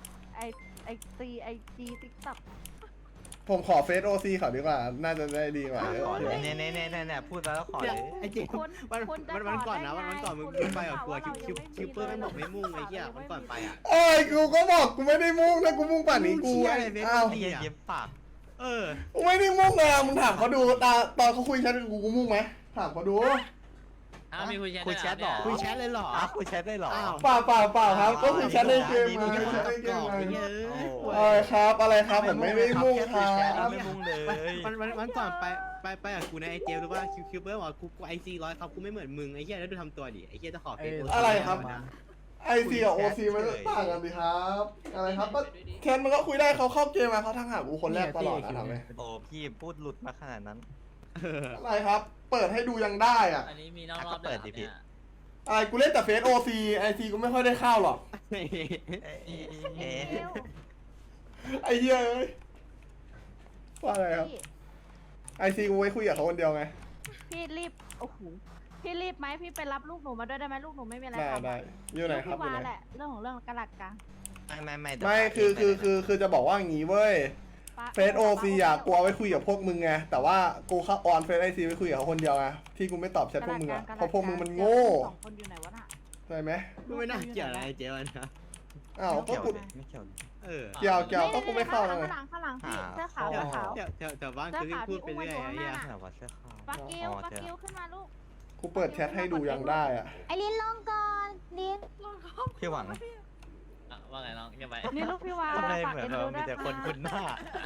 S7: IG ติ๊กต็อก
S3: ผมขอเฟซโอซีเขาดีกว่า น่าจะได้ดีกว่า
S10: ขอเลยเนี่ยพูดแล้วขอเลย
S4: ไอ้เจมวันก่อนนะวันก่อนมึงไปกับกูคิวเปอร์ไม่บอกไม่มุ่งไอ้เหี้ยวันก่อนไปอ่ะ
S3: เอ้ยกูก็บอกกูไม่ได้มุ่งนะกูมุ่งป่านนี้กู
S4: เชี่ยอะไรเฟซ
S3: อ้าว
S10: เย็บปาก
S3: กูไม่ได้มุ่งเลยอะมึงถามเขาดูตอนเขาคุยแชทกับกูมุ่งไหมถามเขาดู
S6: อ้าวมีคุยแชท
S10: คุยแชทเหรอ
S4: คุยแชทเลยเหรอ
S10: อ้าวคุยแชทได้เหรอ
S4: อ้าว
S3: เปล่าครับก็คุยแชทในเกม
S4: ดี
S3: มา
S4: ๆ
S3: คุยแชทในเกมมา
S10: โอ้
S3: อะไรครับผมไม่ได้มุ่งครับ
S10: ไม่มุ่งเลย
S4: วันก่อนไปกับกูในไอเจมหรือว่าคิวเบอร์บอกกูไอซี100ครับกูไม่เหมือนมึงไอ้เหี้ยแล้วดูทำตัวดิไอ้เหี้ยจะขอเฟซ
S3: อะไรครับ ไอซีกับโอซีมันต่างกันดิครับอะไรครับก็แคนมันก็คุยได้เขาเข้าเกมมาเขาทักหากูคนแรกตลอดนะถามไหม
S10: โอ้พี่พูดหลุดมาขนาดนั้น
S3: อะไรครับ เปิดให้ดูยังได้อะ
S6: อันนี้มีนอกรอบ
S10: เปิดดิพี่
S3: อะไรกูเล่นแต่เฟซโอซีไอซีกูไม่ค่อยได้เข้าหรอก
S10: เอ๊ะ
S3: ไอเหี้ยเอ้ยว่าอะไรครับไอซีกูไว้คุยกับเขาคนเดียวไง
S7: พี่รีบโอ้โหพี่รีบไหมพี่ไปรับลูกหนูมาด้วยได้ไหมลูกหนูไม่มีอะไร
S3: ได้
S7: ทำ
S3: ได้อยู่ไหนครับ
S7: พี่
S3: อยู่
S7: วา
S3: ไหน
S7: แหละเรื่องของเรื่องกระหลัดกลาง
S3: ไม่คือจะบอกว่าอย่างงี้เว้ยเฟซโอซีอะกูเอาไว้คุยกับพวกมึงไงแต่ว่ากูเข้าออนเฟซไอซีไว้คุยกับเขาคนเดียวไงที่กูไม่ตอบแชทพวกมึงอะเพราะพวกมึงมันโง่
S7: สองคนอยู่ไหนวะน่ะ
S3: ใช่ไหม
S4: กูไม่น่าเกี่ยวอะไรไอเจมันนะ
S3: อ้าวก็
S10: เกี่ยว
S3: กู
S10: ไม่เกี่ยว
S3: เกี่ยวก็กูไม่เข้าเลย
S7: ข้างหลังพี่เสื้อขาว
S10: อ๋อ
S7: เสื้อขาว
S4: แถวบ้านคือพูดไปเรื่อยไอ้เหี้ย
S10: แต่ว่าเสื้อขาว
S7: ฟักกิ้วฟักกิ้วขึ้นมาลูก
S3: กูเปิดแชทให้ดูยังได้อะ
S7: ไอลินลงก่อนลิน
S10: พี่หวัง
S6: ว่าไงน้องยังไง
S7: นี่ลูกพี่วา
S10: ทำไม
S7: ฝาก
S10: เหมือน
S7: เอ็น
S10: เรา
S7: ดู
S10: มี
S7: ด้วย
S10: แต่คนคุ้นหน้า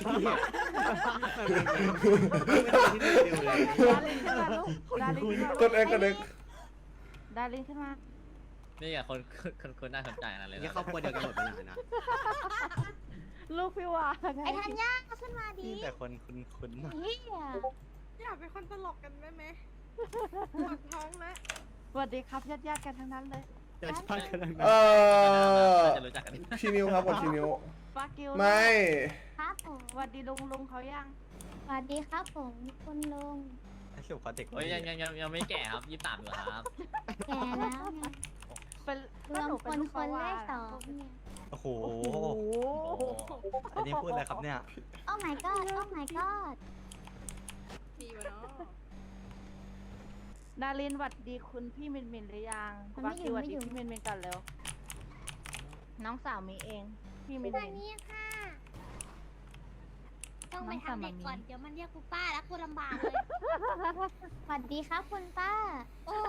S7: ดารินขึ้นมาลูก
S3: กดเอ็กกดเอ็ก
S7: ดารินขึ้นมา
S6: นี่อะคนน่าสนใจอะไรเลย
S4: เนี่ยครอบครัวเดียวกันหมดไปไหนนะ
S7: ลูกพี่วาไอทันยาขึ้นมาดิ
S10: มีแต่คนคุ้นๆหน้า
S7: เฮีย
S2: อยากเป็นคนตลกกันได้ไหมปวดท้องแล้ว
S7: สวัสดีครับญาติๆกันทั้งนั้นเลย
S4: จะชอบกัน
S6: จะรู้จักกัน
S3: ชีนิวครับกดชีนิว
S7: ฟักกิ้ว
S3: ไม่
S7: ครับผมสวัสดีลุงเขายังสวัสดีครับผมคุณลุง
S10: ไอ้สุขอเด็ก
S6: เฮ้ยยังไม่แก่ครับ23อยู่ครับ
S7: แก่แล้วไงเป็นรวมคนเลขสองเนี่ย
S10: โอ้โห
S7: โอ้โห
S10: อันนี้พูดอะไรครับเนี่ย
S7: โอ้ my god โอ้ my god
S2: ดีวะเนาะ
S7: ดารินหวัดดีคุณพี่มินมินหรือยังฟักกิ้วหวัดดีพี่มินมินก่อนเร็วน้องสาวมีเองพี่มินมิน
S11: ค่ะต้องไป
S7: น้องสาว
S11: ทำเด็ก
S7: มามี
S11: ก่อน เดี๋ยวมันเรียกกูป้าแล้วกูลำบากเลยสวัสดีครับคุณป้า โอ้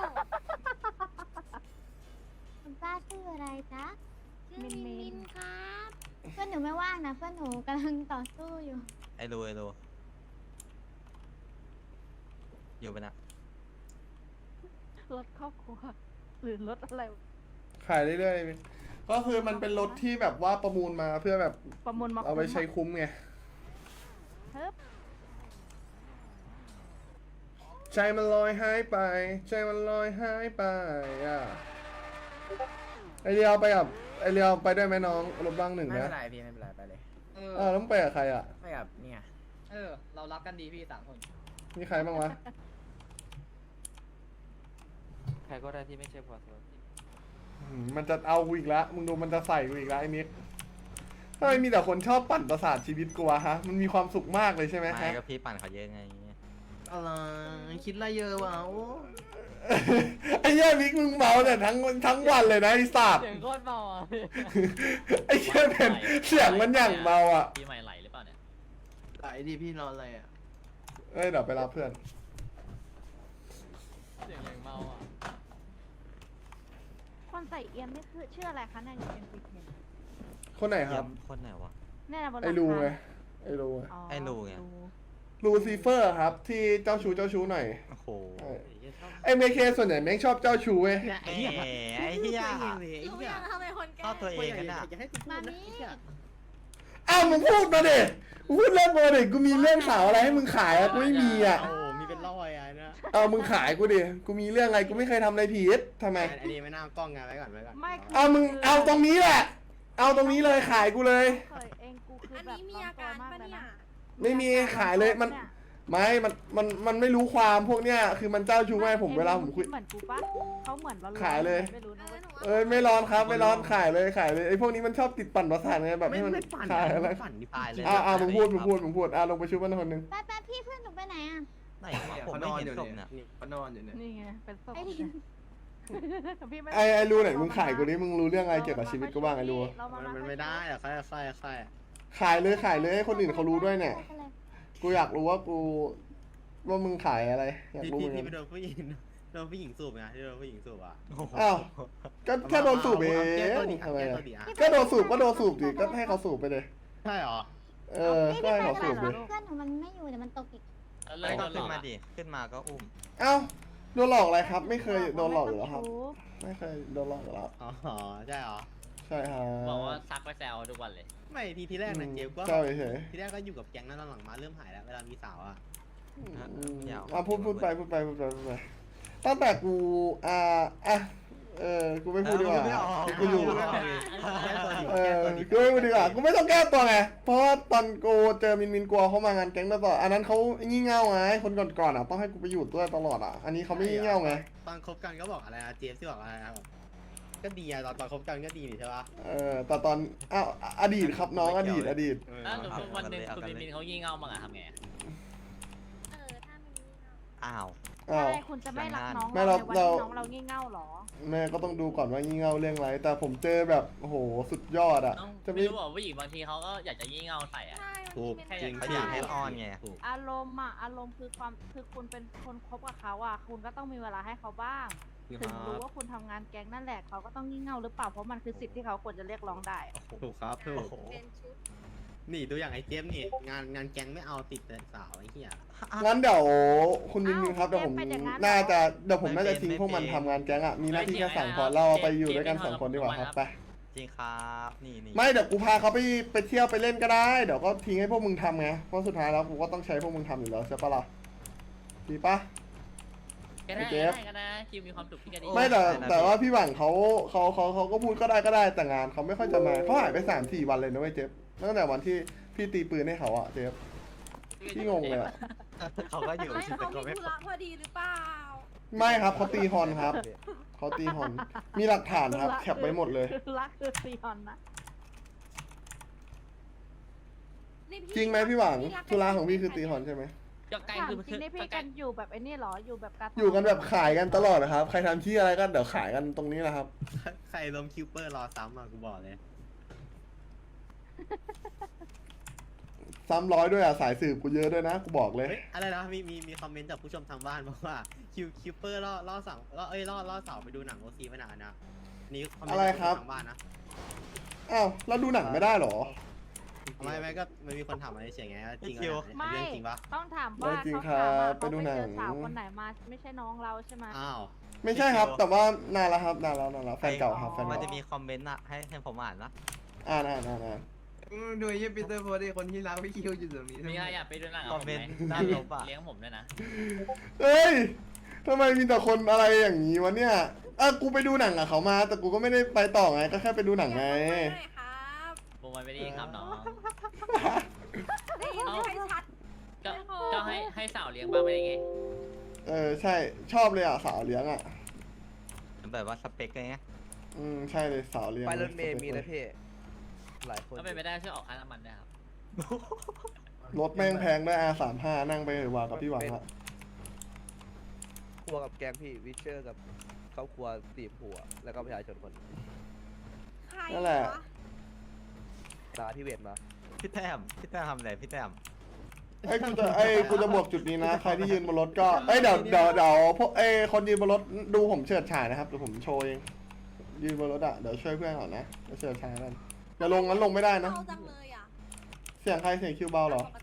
S11: คุณป้าชื่ออะไรจ๊ะชื่อมินครับ เพื่อนหนูไม่ว่างนะ เพื่อนหนูกำลังต่อสู้อยู่
S10: ไอ้รูอยู่ปะนะ
S7: รถครอบครัวหรือรถอะไร
S3: ขายเรื่อยๆก็คือมันเป็นรถที่แบบว่าประมูลมาเพื่อแบบ
S7: ประมูลมา
S3: เอาไปใช้คุ้มไง
S7: เฮ้ย
S3: ใจมันลอยหายไป ใจมันลอยหายไปอ่ะไอเรียวไปกับไอเรียวไปด้วยไหมน้องรถบ้างหนึ่ง
S1: ไม่
S3: นะ
S1: เป็นไรพี่ไม่เป็นไรไปเลย
S3: แล้วมึงไปกับใครอ่ะ
S1: ไปกับเนี่ยเรารักกันดีพี่3 คน
S3: มีใครบ้างวะ
S1: ใครก็ได้ที่ไม่ใช่พอส
S3: มันจะเอากูอีกแล้วมึงดูมันจะใส่กูอีกแล้วไอ้มิกทำไมมีแต่คนชอบปั่นประสาทชีวิตกูวะฮะมันมีความสุขมากเลยใช่ไหม
S10: ไม่
S3: ฮะ
S10: ก็พี่ปั่นเขาเยอะไง
S4: อะไรคิดอะไรเยอะวะโอ้
S3: ไอ้เหี้ยมิกมึงเมาแต่ทั้งวันเลยนะไอ้สัตว์
S6: เสียงโคตรเมาอ่ะ
S3: ไอ้เหี้ยเป็นเสียงมันอย่างเมาอ่ะ
S6: ปีใหม่ไหลหรือเปล่าเนี่ย
S4: ไหลดิพี่นอนอะไรอ่ะ
S3: เอ้ยเดี๋ยวไปรับเพื่อน
S6: เสียงอย่างเมาอ่ะ
S7: คนใส่เอียมนี่คือชื่ออะไรคะเนี่ยเป็นปิดเนี่ย
S3: คนไหนครับ
S10: คนไหนวะ
S7: เนี่ยนะบนหลัง
S3: ไอ้รูไง
S7: คา
S3: ไอ้รูไง
S7: อ๋อ
S10: ไอ้รูไง
S3: ลูซิเฟอร์ครับที่เจ้าชู้หน่อย
S10: โอ้โห
S3: ไอ้เมเคส่วนใหญ่แม่งชอบเจ้าชู้เว้ย
S4: เนี่ย
S10: ไอ้เหี้ยไอ้เหี้ย
S2: รู้ยังทำไมคนแก่
S10: ชอบตัวเองกันอ่ะ
S4: อยากให้กูพูดนะ
S3: อ้าวมึงพูดมาดิมึงพูดเรื่องมาดิกูมีเรื่องสาวอะไรให้มึงขายอะกูไม่มีอ่ะ
S4: โอ้มีเป็นร้อยอ่ะนะ
S3: เอามึงขายกูดิกูมีเรื่องอะไรกูไม่เคยทำอะไรผิดทำไม
S4: อันนี้ไม่น่ากล้องไงไว้ก่อน
S7: ไม่
S3: เอามึงเอาตรงนี้แหละ เอาตรงนี้เลยขายกูเลย
S7: เคยเองกูคือ
S2: อัน
S7: แบบ
S2: นี้มีอาการปะเนี่ย
S3: ไม่มีขายเลยมันไม่มันไม่รู้ความพวกเนี้ยคือมันเจ้าชู้ไงผมเวลาผมคุย
S7: เหมือนกูปะเขาเหมือนร้อนๆ
S3: ขายเลย
S7: ไม่รู้นะเว้ย
S3: เอ้ยไม่ร้อนครับไม่ร้อนขายเลยไอ้พวกนี้มันชอบติดปั่นประสาทไงแบบให้มัน
S4: ไม่ปั่น
S3: ขายอะไร
S4: ปั่นดิ
S10: ตายเลย
S3: มึงพูดลงไปชุบมันคนหนึง
S11: แป๊บพี่เพื่อนหนูไปไหนอ่ะ
S10: ไหนวะผมไม่เห็นศพเนี่ย
S4: เขานอนอยู่เนี่ย
S7: นี่ไงเป็นศพ
S11: ไอ้ดิ
S7: พี่ม่
S3: ไอ้รู้ไหนมึงขายกูดิมึงรู้เรื่องอะไรเกี่ยวกับชีวิตกูบ้างไอ้รู้
S7: เราา
S4: มันไม่ได้อะใคร
S3: ขายเลยให้คนอื่นเขารู้ด้วยเนี่ยกูอยากรู้ว่าว่ามึงขายอะไรอยาก
S4: ที่
S3: รู้เหมือน
S4: ที่
S3: กัน
S4: ไปโดนผู้หญิงโดนผู้หญิงสูบไงที่โดนผู้หญิงสูบอ่ะ
S3: อ้าวก็แค่โดนสูบเอง
S4: แก้ตัวดิ
S3: ทำไม
S4: แก้
S3: อะ
S4: ตัวดิอ่ะ
S3: ก็โดนสูบดิก็ให้เขาสูบไปเลย
S4: ใช่เหรอ
S3: เออก็ให้เขาสูบดิ
S11: เพื่อนหนูมันไม่อยู่เดี๋ยวมันตกอีก
S6: เลิ
S10: ไม่
S6: ก
S10: ก็
S6: โดนหล
S10: ขึ้
S6: อน ก
S10: มา
S6: อะ
S10: ดิ ขึ้นมาก็อุ้ม
S3: เอ้าโดนหลอกอะไรครับ ไม่เคยโดนหลอกอยู่แล้วครับ ไม่เคยโดนหลอกอยู่แล้ว
S4: อ๋อใช่เหรอ
S3: ใช่ครับ
S6: บอกว่าซักไปแซวทุกวันเลย
S4: ไม่ทีแรกนะเจมส์ก็
S3: ใช่เฉย
S4: ทีแรกก็อยู่กับแก๊งนั้นหลังๆมาเริ่มหายแล้วเวลามีสาวอ่ะ
S3: พูดไปตั้งแต่กูกูไม่พูดดีกว่ากูอยู่ กูไม่พูดดีกว่ากูไม่ต้องแก้ตัวไงเพราะว่าตอนกูเจอมินกลัวเขามางานแก๊งตลอดอันนั้นเขางี่เง่าไงคนก่อนๆอ่ะต้องให้กูไปอยู่ด้วยตลอดอ่ะอันนี้เขาไม่งี่เง่าไง
S4: ตอนคบกันก็บอกอะไรนะเจมส์ที่บอกอะไรนะก็ดีอะตอนคบกันก็ดีนี่ใช่ปะ
S3: แต่ตอนอดีตครับน้องอดีต
S6: ถ้าสมมติวันหนึ่งคุณมินเขายี่เง่ามาอะทำไงอะ
S11: ถ้ามันมีเงา
S10: อ้าว
S7: อะไรคุณจะไม่รักน้อง
S3: ไม่
S7: เรา
S3: เรา
S7: ในวันที่น้องเรางี่เง่าหรอ
S3: แม่ก็ต้องดูก่อนว่างี่เง่าเรื่องอะไรแต่ผมเจอแบบโอ้โหสุดยอดอ่ะ จะ
S6: ไม่รู้บอกผู้หญิงบางทีเขาก็อยากจะยี่เง่าใส่อะ
S2: ใช่
S4: ถูก
S2: มัน
S4: จริง
S10: เขาอยากให้ออนไง
S4: ถูก
S7: อารมณ์คือคุณเป็นคนคบกับเขาอ่ะคุณก็ต้องมีเวลาให้เขาบ้าง ถึงรู้ว่าคุณทำงานแก๊งนั่นแหละเขาก็ต้องงี่เง่าหรือเปล่าเพราะมันคือสิทธิ์ที่เขาควรจะเรียกร้องได้อะ
S4: ถูกครับถูก
S2: เป็นชุด
S4: นี่ตัวอย่างไอ้เจมส์นี่งานแก๊งไม่เอาติดแต่สาวไอ้เหี้ย
S3: งั้นเดี๋ยวคุณมินครับเดี๋ยวผมน่าจะทิ้งพวกมันทำงานแก๊งอ่ะมีหน้าที่แค่สั่งพอเราไปอยู่ด้วยกัน2 คนดีกว่าครับไป
S10: จริงครับนี่
S3: ไม่เดี๋ยวกูพาเขาไปเที่ยวไปเล่นก็ได้เดี๋ยวก็ทิ้งให้พวกมึงทำไงเพราะสุดท้ายแล้วกูก็ต้องใช้พวกมึงทำอยู่แล้วใช่ปะล่ะดีปะ
S6: ก็ได้
S3: เจฟ
S6: ก็ได้คิวมีความสุขที่ก็ดี
S3: ไม่แต่ว่าพี่หวังเขาก็พูดก็ได้แต่งานเขาไม่ค่อยจะมาเขาหายไป3-4 วันเลยนะเว้ยเจฟตั้งแต่วันที่พี่ตีปืนให้เขาอะเจฟพี่งงเลยอะ
S10: เขาก็อยู่
S2: ไม่
S10: ชิ
S2: เขา
S10: แต่ก็
S2: มี
S10: ไม่
S2: ธุระพอดีหรือเปล่า
S3: ไม่ครับเขาตีฮอนครับเขาตีฮอนมีหลักฐานครับแคปไว้หมดเลย
S7: รักคือซีฮอนนะ
S2: นี่พี่
S3: จริงไหมพี่หวัง
S2: รัก
S3: ธุระของพี่คือตีฮอนใช่ไหม
S6: ก็ใกล้
S7: ถาม
S6: คือ
S7: จริงนี่พี่กันอยู่แบบไอ้นี่เหรออยู่แบบการ
S3: อยู่กันแบบขายกันตลอดนะครับใครทำที่อะไรก็เดี๋ยวขายกันตรงนี้แหละครับ
S4: ใครลมคิวเปอร์รอซ้ำอ่ะกูบอกเลย
S3: 300ด้วยอ่ะสายสืบกูเยอะด้วยนะกูบอกเลย
S4: เฮ้ยอะไรนะมีคอมเมนต์จากผู้ชมทางบ้านบอกว่าคิวเปอร์ล่อสาวล่อสาวไปดูหนังโอซีไม่นานนะนี่คอมเมนต์
S3: อะไร
S4: จาก
S3: ครับ
S4: ผู้ชมทางบ้านนะ
S3: อ้าวแล้วดูหนังไม่ได้เหรอ
S4: ไม่ก็มันมีคนถามมาเฉยๆไงว่าจริงเหรอ
S7: ไม่
S4: เรื่องจริงปะ
S7: ต้องถามว่า
S3: ไม่จริง
S7: เขาถามว่า
S3: ครับไป
S7: เขา
S3: ดู
S7: ไป
S3: หนัง
S7: เจอสาวคนไหนมาไม่ใช่น้องเราใช่ไหม
S4: อ้าว
S3: ไม่ใช่ครับ แต่ว่านานแล้วครับนานแล้วแฟนเก่าครับแฟน
S10: มัน
S3: เก่า
S10: จะมีคอมเมนต์อะให้ผมอ่านนะ
S3: อ่าน
S1: ดูยี่ปีเตอร์โพดีคนที่รักพี่คิวอยู่ตรงนี้
S6: มีใครอยากไปดูหนัง
S10: ค
S6: กั
S10: อบ ม
S6: ผม
S10: เมน
S6: ไหม
S10: ต์ด้านลบอะ
S6: เลี้ยงผมด้วยนะ
S3: เฮ้ยทำไมมีแต่คนอะไรอย่างนี้วะเนี่ยกูไปดูหนังกับเขามาแต่กูก็ไม่ได้ไปต่อไงก็แค่ไปดูหนังไง
S2: ได้ครับ
S6: วงมันไม่ได้ครับน้อง
S2: ได้ยินไม่ค่อยชัด
S6: ก็ให้สาวเลี้ยงบ้างไม่ได้ไง
S3: ใช่ชอบเลยอ่ะสาวเลี้ยงอ่ะ
S10: แบบว่าสเปคไง
S3: ใช่เลยสาวเลี้ยง
S1: ไปรถเมย์มีนะพี่หลายคน
S6: ก็เป็นไปได้ช่วยออกค่าน้ำมันด้วยครับ
S3: รถแม่งแพงได้R35นั่งไปเหอะว่ากับพี่หวังอะ
S1: ครัวกับแกงพี่วิเชอร์กับครอบครัว4 ผัวแล้วก็ประชาชนคน
S2: ใคร
S3: นั่นแหละ
S2: วะ
S1: ตาที่เวทมา
S10: พี่แต้มทำอะไรพี่แต้ม
S3: กูจะบวกจุดนี้นะใครที่ยืนบนรถก็เดี๋ยวพวกคนยืนบนรถดูผมเฉิดฉายนะครับเดี๋ยวผมโชว์เองยืนบนรถอะเดี๋ยวช่วยเพื่อนก่อนนะเดี๋ยวเฉิดฉายกันอย่าลงงั้นลงไม่ได้นะ
S2: เบาจังเลยอ่ะ
S3: เสียงใครเสียงคิวเบาเหรอ
S2: ปก